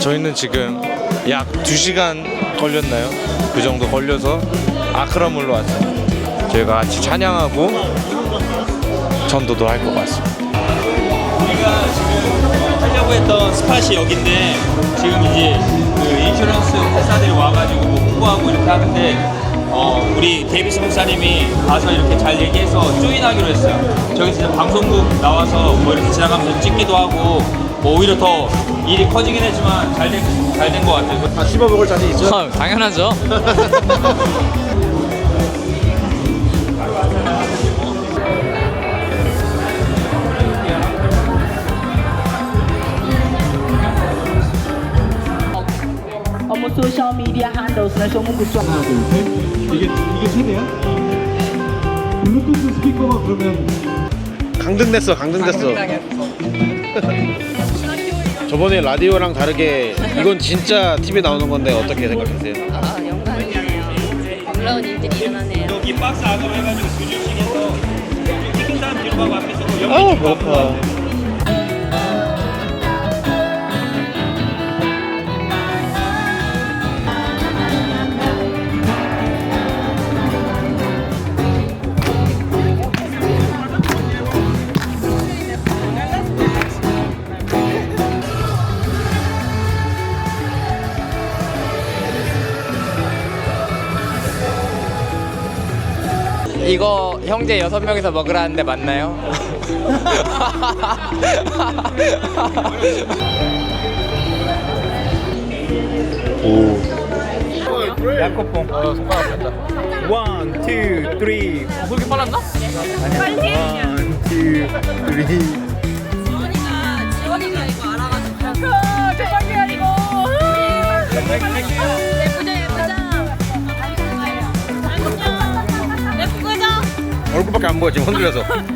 저희는 지금 약 2시간 걸렸나요? 그 정도 걸려서 아크라물로 왔어요. 저희가 같이 찬양하고 전도도 할 것 같습니다. 우리가 지금 하려고 했던 스팟이 여기인데 지금 이제 그 인슈런스 회사들이 와가지고 뭐 홍보하고 이렇게 하는데 우리 데이비스 목사님이 가서 이렇게 잘 얘기해서 조인하기로 했어요. 저기 진짜 방송국 나와서 뭐 이렇게 지나가면서 찍기도 하고 뭐 오히려 더 일이 커지긴 했지만 잘 된 것 같아요. 아, 씹어먹을 자신 있죠? 당연하죠. 어머 소셜 미디어 handles나 소문구 좀 하나, 둘, 셋. 이게 세대야? 블루투스 스피커가 그러면 강등됐어. 저번에 라디오랑 다르게 이건 진짜 TV에 나오는 건데 어떻게 생각하세요? 영광이네요. 놀라운 일들이 일어나네요. 여기 박스 안으로 해가지고 조준식에서 찍힌 사람 뒤로 가고 앞에서 그 아우 연기 배고파. 이거 형제 6명이서 먹으라는데 맞나요? 양코뽕. 손가락 뺐다. 1, 2, 3. 그렇게 빨랐나? 빨리? 1, 2, 3. 지원이가 이거 알아가지고. 대박이야 이거. 예쁘죠 예쁘죠. 예쁘죠. 얼굴밖에 안 보여 지금 흔들려서.